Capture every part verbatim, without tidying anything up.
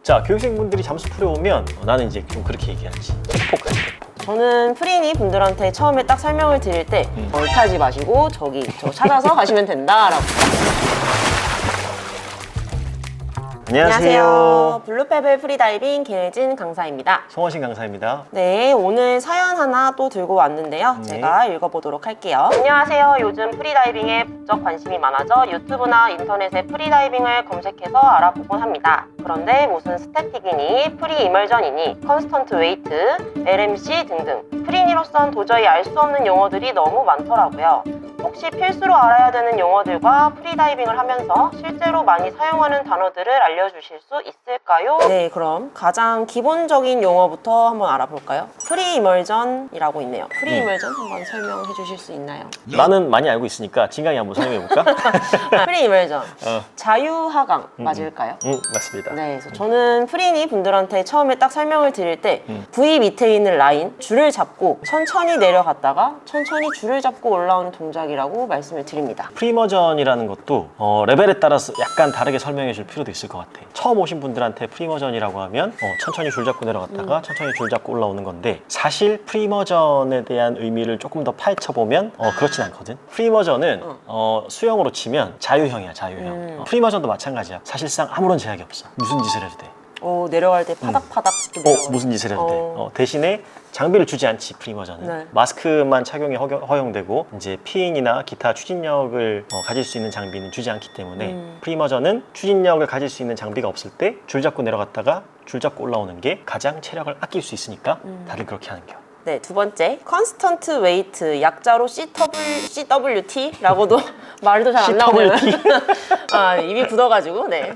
자, 교육생분들이 잠수 풀에 오면 어, 나는 이제 좀 그렇게 얘기하지. 팩폭하지, 팩폭. 저는 프리니 분들한테 처음에 딱 설명을 드릴 때 음. 얼타지 마시고 저기 저 찾아서 가시면 된다라고. 안녕하세요. 블루페블 프리다이빙 김혜진 강사입니다. 송원신 강사입니다. 네, 오늘 사연 하나 또 들고 왔는데요. 네. 제가 읽어보도록 할게요. 안녕하세요. 요즘 프리다이빙에 부쩍 관심이 많아져 유튜브나 인터넷에 프리다이빙을 검색해서 알아보곤 합니다. 그런데 무슨 스태틱이니, 프리 이멀전이니, 컨스턴트 웨이트, 엘엠씨 등등 프리니로선 도저히 알 수 없는 용어들이 너무 많더라고요. 혹시 필수로 알아야 되는 용어들과 프리다이빙을 하면서 실제로 많이 사용하는 단어들을 알려주실 수 있을까요? 네, 그럼 가장 기본적인 용어부터 한번 알아볼까요? 프리 이멀전이라고 있네요. 프리 이멀전 한번 설명해 주실 수 있나요? 나는 많이 알고 있으니까 진강이 한번 설명해볼까? 프리 이멀전, 어. 자유하강 맞을까요? 응, 맞습니다. 네, 그래서 저는 프리니 분들한테 처음에 딱 설명을 드릴 때 음. V 밑에 있는 라인, 줄을 잡고 천천히 내려갔다가 천천히 줄을 잡고 올라오는 동작이라고 말씀을 드립니다. 프리머전이라는 것도 어, 레벨에 따라서 약간 다르게 설명해 줄 필요도 있을 것 같아. 처음 오신 분들한테 프리머전이라고 하면 어, 천천히 줄 잡고 내려갔다가 음. 천천히 줄 잡고 올라오는 건데, 사실 프리머전에 대한 의미를 조금 더 파헤쳐보면 어, 그렇진 않거든. 프리머전은 어. 어, 수영으로 치면 자유형이야, 자유형. 음. 어, 프리머전도 마찬가지야. 사실상 아무런 제약이 없어. 무슨 짓을 해도 돼. 어, 내려갈 때 파닥파닥 이렇게 어, 내려가요. 무슨 짓을 해도 돼. 어. 어, 대신에 장비를 주지 않지, 프리머전은. 네. 마스크만 착용이 허용, 허용되고 이제 피잉이나 기타 추진력을 어, 가질 수 있는 장비는 주지 않기 때문에 음. 프리머전은 추진력을 가질 수 있는 장비가 없을 때 줄 잡고 내려갔다가 줄 잡고 올라오는 게 가장 체력을 아낄 수 있으니까 음. 다들 그렇게 하는 겨. 네, 두 번째, 컨스턴트 웨이트, 약자로 씨더블유티라고도 말도 잘 안 나오는 아, 입이 굳어가지고 네,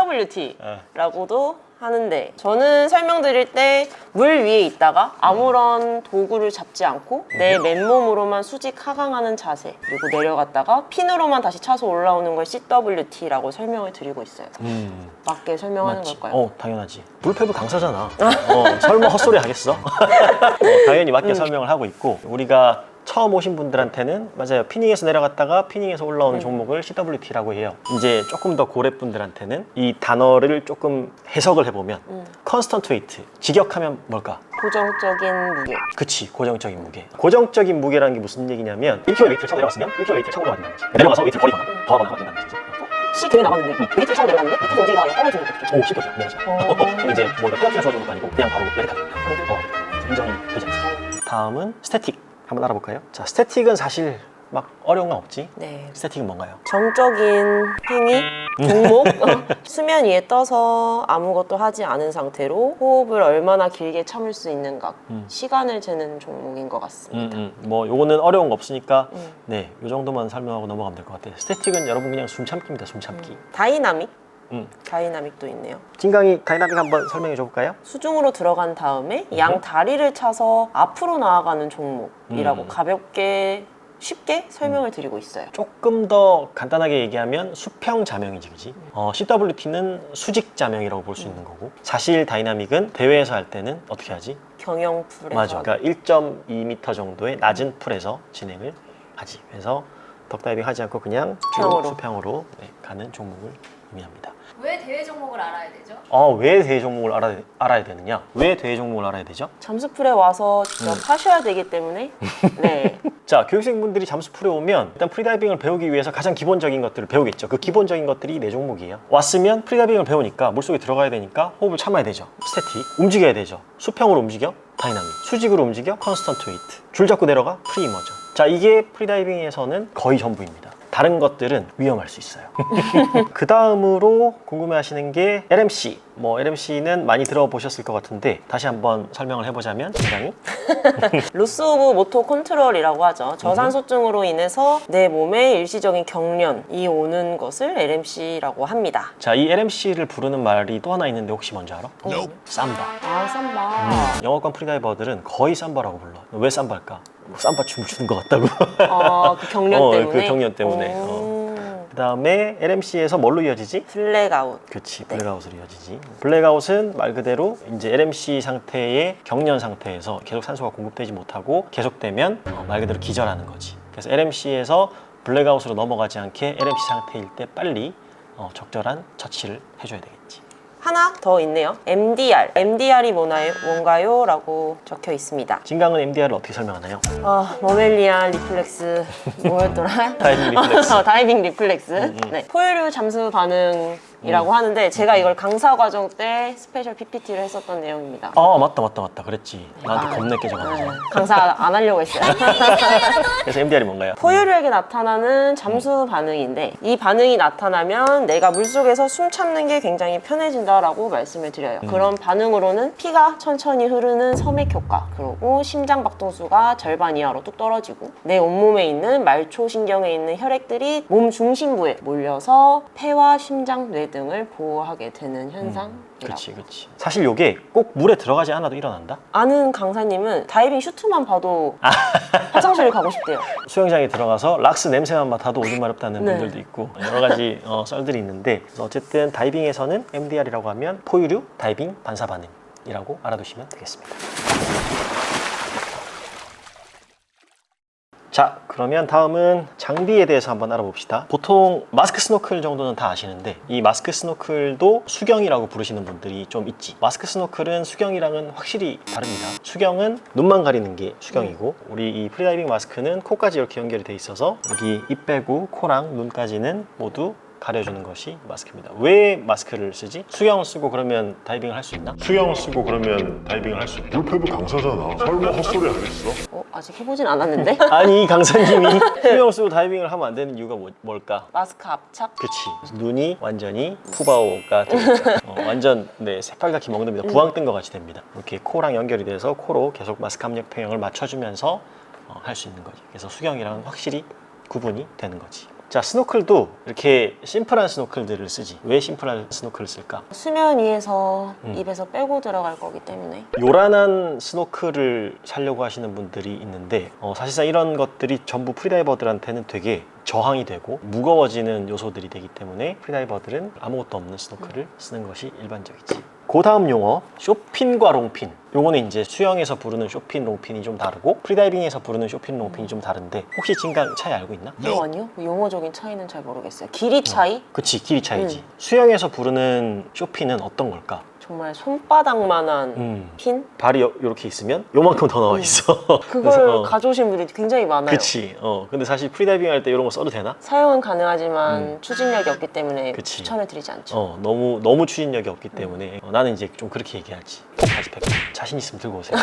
씨더블유티라고도 하는데, 저는 설명드릴 때 물 위에 있다가 아무런 도구를 잡지 않고 내 맨몸으로만 수직 하강하는 자세, 그리고 내려갔다가 핀으로만 다시 차서 올라오는 걸 씨더블유티라고 설명을 드리고 있어요. 음, 맞게 설명하는 맞지. 걸까요? 어, 당연하지. 불패브 강사잖아. 어, 설마 헛소리 하겠어? 어, 당연히 맞게 음. 설명을 하고 있고, 우리가 처음 오신 분들한테는 맞아요. 피닝에서 내려갔다가 피닝에서 올라오는 음. 종목을 씨더블유티라고 해요. 이제 조금 더 고래 분들한테는 이 단어를 조금 해석을 해보면 음. 컨스턴트 웨이트, 직역하면 뭘까? 고정적인 무게. 그치, 고정적인 무게. 고정적인 무게라는 게 무슨 얘기냐면 일 킬로그램 웨이트를 차고 내려갔으면 일 킬로그램 웨이트를 차고 올라가야 된다는 거지. 내려가서 웨이트를 버리거나 더하거나 하면 된다는 거지. C 교회 나갔는데 웨이트를 차고 내려갔는데 밑에서 움직이다가 떨어지는 것도 오, 쉽겠죠. 미안하지. 어. 이제 뭔가 페어티가 주어진 것도 아니고 그냥 바로 레드카드. 어, 인정이 되지 않지. 다음은 스태틱. 한번 알아볼까요? 자, 스태틱은 사실 막 어려운 건 없지. 네. 스태틱은 뭔가요? 정적인 행위, 종목, 어, 수면 위에 떠서 아무것도 하지 않은 상태로 호흡을 얼마나 길게 참을 수 있는가, 음. 시간을 재는 종목인 것 같습니다. 음, 음. 뭐 요거는 어려운 거 없으니까 음. 네, 요 정도만 설명하고 넘어가면 될 것 같아요. 스태틱은 여러분 그냥 숨 참기입니다. 숨 참기. 음. 다이나믹? 음. 다이나믹도 있네요. 진강이 다이나믹 한번 설명해 줘 볼까요? 수중으로 들어간 다음에 양 다리를 차서 앞으로 나아가는 종목이라고 음. 가볍게 쉽게 설명을 드리고 있어요. 조금 더 간단하게 얘기하면 수평 자명이지, 그지? 어, 씨더블유티는 수직 자명이라고 볼 수 있는 거고, 사실 다이나믹은 대회에서 할 때는 어떻게 하지? 경영풀에서. 맞아. 그러니까 일 점 이 미터 정도의 낮은 풀에서 진행을 하지. 그래서 덕다이빙 하지 않고 그냥 쭉 수평으로. 수평으로 네, 가는 종목을 의미합니다. 왜 대회 종목을 알아야 되죠? 어, 왜 대회 종목을 알아, 알아야 되느냐? 왜 대회 종목을 알아야 되죠? 잠수풀에 와서 직접 음. 하셔야 되기 때문에 네. 자, 교육생분들이 잠수풀에 오면 일단 프리다이빙을 배우기 위해서 가장 기본적인 것들을 배우겠죠. 그 기본적인 것들이 네 종목이에요. 왔으면 프리다이빙을 배우니까 물속에 들어가야 되니까 호흡을 참아야 되죠. 스태틱, 움직여야 되죠. 수평으로 움직여, 다이나믹. 수직으로 움직여, 컨스턴트 웨이트. 줄 잡고 내려가, 프리머전. 자, 이게 프리다이빙에서는 거의 전부입니다. 다른 것들은 위험할 수 있어요. 그 다음으로 궁금해하시는 게 엘엠씨. 뭐 엘엠씨는 많이 들어보셨을 것 같은데 다시 한번 설명을 해보자면 굉장히 로스 오브 모토 컨트롤이라고 하죠. 저산소증으로 인해서 내 몸에 일시적인 경련이 오는 것을 엘엠씨라고 합니다. 자, 이 엘엠씨를 부르는 말이 또 하나 있는데 혹시 뭔지 알아? 어, 삼바. 아, 삼바. 음, 영어권 프리다이버들은 거의 삼바라고 불러. 왜 삼바일까? 뭐 삼바 춤을 추는 것 같다고. 아, 그 경련 어, 때문에? 그 경련 때문에. 오. 그 다음에 엘엠씨에서 뭘로 이어지지? 블랙아웃. 그치, 네. 블랙아웃으로 이어지지. 블랙아웃은 말 그대로 이제 엘엠씨 상태의 경련 상태에서 계속 산소가 공급되지 못하고 계속되면 어, 말 그대로 기절하는 거지. 그래서 엘엠씨에서 블랙아웃으로 넘어가지 않게 엘엠씨 상태일 때 빨리 어, 적절한 처치를 해줘야 되겠지. 하나 더 있네요. 엠디알. 엠디알이 뭐나요? 뭔가요? 라고 적혀 있습니다. 진강은 엠디알을 어떻게 설명하나요? 아, 머멜리안 리플렉스 뭐였더라? 다이빙 리플렉스. 어, 다이빙 리플렉스. 음, 음. 네. 포유류 잠수 반응이라고 하는데 제가 이걸 강사 과정 때 스페셜 피피티를 했었던 내용입니다. 아 맞다 맞다 맞다 그랬지. 나한테 아, 겁내 깨져가지고. 네. 강사 안 하려고 했어요. 그래서 엠디알이 뭔가요? 포유류에게 나타나는 잠수 반응인데 이 반응이 나타나면 내가 물속에서 숨 참는 게 굉장히 편해진다라고 말씀을 드려요. 음. 그런 반응으로는 피가 천천히 흐르는 섬액 효과, 그리고 심장 박동수가 절반 이하로 뚝 떨어지고 내 온몸에 있는 말초 신경에 있는 혈액들이 몸 중심부에 몰려서 폐와 심장, 뇌 등을 보호하게 되는 현상이라고. 그렇지 그렇지. 사실 요게 꼭 물에 들어가지 않아도 일어난다. 아는 강사님은 다이빙 슈트만 봐도 화장실 가고 싶대요. 수영장에 들어가서 락스 냄새만 맡아도 오줌 마렵다는 네. 분들도 있고 여러 가지 어, 썰들이 있는데 그래서 어쨌든 다이빙에서는 엠디알이라고 하면 포유류 다이빙 반사 반응이라고 알아두시면 되겠습니다. 자 그러면 다음은 장비에 대해서 한번 알아봅시다. 보통 마스크 스노클 정도는 다 아시는데 이 마스크 스노클도 수경이라고 부르시는 분들이 좀 있지. 마스크 스노클은 수경이랑은 확실히 다릅니다. 수경은 눈만 가리는 게 수경이고 우리 이 프리다이빙 마스크는 코까지 이렇게 연결이 돼 있어서 여기 입 빼고 코랑 눈까지는 모두 가려주는 것이 마스크입니다. 왜 마스크를 쓰지? 수경을 쓰고 그러면 다이빙을 할 수 있나? 수영을 쓰고 그러면 다이빙을 할 수 있다. 물패부 강사잖아. 설마 헛소리 하겠어? 어, 아직 해보진 않았는데? 아니 강사님이 수경을 쓰고 다이빙을 하면 안 되는 이유가 뭐, 뭘까? 마스크 압착? 그치. 눈이 완전히 푸바오가 되겠죠. 어, 완전 네 새빨갛게 먹는답니다. 부황 뜬 것 같이 됩니다. 이렇게 코랑 연결이 돼서 코로 계속 마스크 압력 평형을 맞춰주면서 어, 할 수 있는 거지. 그래서 수경이랑 확실히 구분이 되는 거지. 자 스노클도 이렇게 심플한 스노클들을 쓰지. 왜 심플한 스노클을 쓸까? 수면 위에서 음. 입에서 빼고 들어갈 거기 때문에. 요란한 스노클을 사려고 하시는 분들이 있는데 어, 사실상 이런 것들이 전부 프리다이버들한테는 되게 저항이 되고 무거워지는 요소들이 되기 때문에 프리다이버들은 아무것도 없는 스노클을 쓰는 것이 일반적이지. 그 다음 용어 쇼핀과 롱핀. 요거는 이제 수영에서 부르는 쇼핀, 롱핀이 좀 다르고 프리다이빙에서 부르는 쇼핀, 롱핀이 좀 다른데 혹시 진강 차이 알고 있나? 어, 아니요? 용어적인 차이는 잘 모르겠어요. 길이 차이? 그치 길이 차이지. 음. 수영에서 부르는 쇼핀은 어떤 걸까? 정말 손바닥만한 음. 핀? 발이 이렇게 있으면 요만큼 더 나와 있어. 그걸 그래서, 어, 가져오신 분들이 굉장히 많아요. 그치. 어. 근데 사실 프리다이빙 할 때 이런 거 써도 되나? 사용은 가능하지만 음. 추진력이 없기 때문에 그치. 추천해 드리지 않죠. 어, 너무 너무 추진력이 없기 때문에 어, 나는 이제 좀 그렇게 얘기하지. 톡까지 백 자신 있으면 들고 오세요.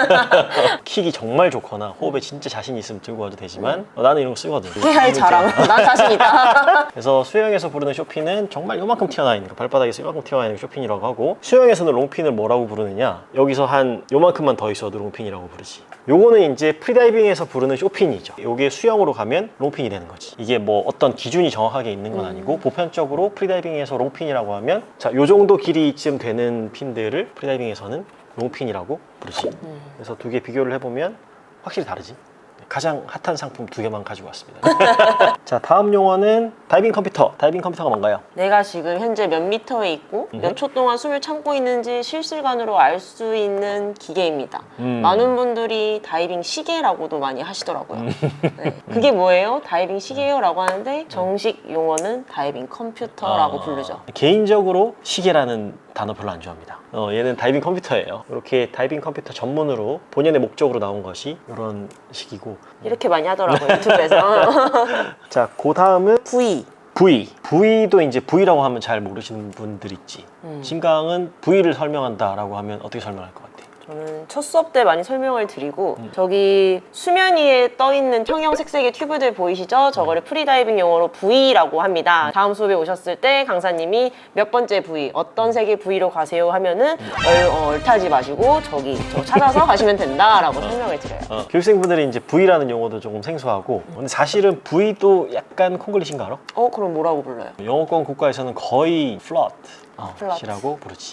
킥이 정말 좋거나 호흡에 진짜 자신 있으면 들고 와도 되지만 어, 나는 이런 거 쓰거든. 깨알 자랑. 난 자신 있다. 그래서 수영에서 부르는 쇼핀은 정말 요만큼 튀어나와 있는 거, 발바닥에서 요만큼 튀어나와 있는 게 쇼핀이라고 하고 수영에서는 롱핀을 뭐라고 부르느냐? 여기서 한 요만큼만 더 있어도 롱핀이라고 부르지. 요거는 이제 프리다이빙에서 부르는 쇼핀이죠. 요게 수영으로 가면 롱핀이 되는 거지. 이게 뭐 어떤 기준이 정확하게 있는 건 아니고 보편적으로 프리다이빙에서 롱핀이라고 하면 자, 요 정도 길이쯤 되는 핀들을 프리다이빙에서는 롱핀이라고 부르지. 음. 그래서 두 개 비교를 해보면 확실히 다르지. 가장 핫한 상품 두 개만 가지고 왔습니다. 자, 다음 용어는 다이빙 컴퓨터. 다이빙 컴퓨터가 뭔가요? 내가 지금 현재 몇 미터에 있고 몇 초 동안 숨을 참고 있는지 실시간으로 알 수 있는 기계입니다. 음. 많은 분들이 다이빙 시계라고도 많이 하시더라고요. 네. 그게 뭐예요? 다이빙 시계요? 라고 하는데 정식 용어는 다이빙 컴퓨터라고 아, 부르죠. 개인적으로 시계라는 단어 별로 안 좋아합니다. 어, 얘는 다이빙 컴퓨터예요. 이렇게 다이빙 컴퓨터 전문으로 본연의 목적으로 나온 것이 이런 식이고. 이렇게 많이 하더라고요, 유튜브에서. 자, 그 다음은 V. V. V도 이제 V라고 하면 잘 모르시는 분들 있지. 음. 진강은 V를 설명한다라고 하면 어떻게 설명할 것 같아? 저는 첫 수업 때 많이 설명을 드리고 저기 수면 위에 떠 있는 형형색색의 튜브들 보이시죠? 저거를 프리다이빙 용어로 V라고 합니다. 다음 수업에 오셨을 때 강사님이 몇 번째 V, 어떤 색의 V로 가세요 하면은 얼, 어, 얼타지 마시고 저기 저 찾아서 가시면 된다라고 설명을 드려요. 어, 교육생분들이 이제 V라는 용어도 조금 생소하고 근데 사실은 V도 약간 콩글리시인 거 알아? 어 그럼 뭐라고 불러요? 영어권 국가에서는 거의 플롯 어, 플롯. 이라고 부르지.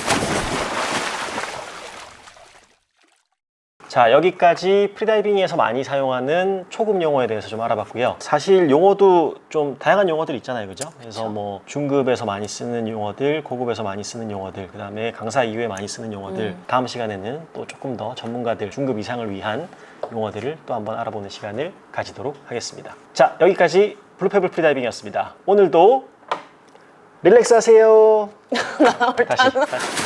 자, 여기까지 프리다이빙에서 많이 사용하는 초급 용어에 대해서 좀 알아봤고요. 사실 용어도 좀 다양한 용어들 있잖아요, 그죠? 그래서 뭐 중급에서 많이 쓰는 용어들, 고급에서 많이 쓰는 용어들, 그 다음에 강사 이후에 많이 쓰는 용어들, 음. 다음 시간에는 또 조금 더 전문가들, 중급 이상을 위한 용어들을 또 한번 알아보는 시간을 가지도록 하겠습니다. 자, 여기까지 블루페블 프리다이빙이었습니다. 오늘도 릴렉스 하세요. 나올 다시, 단 다시.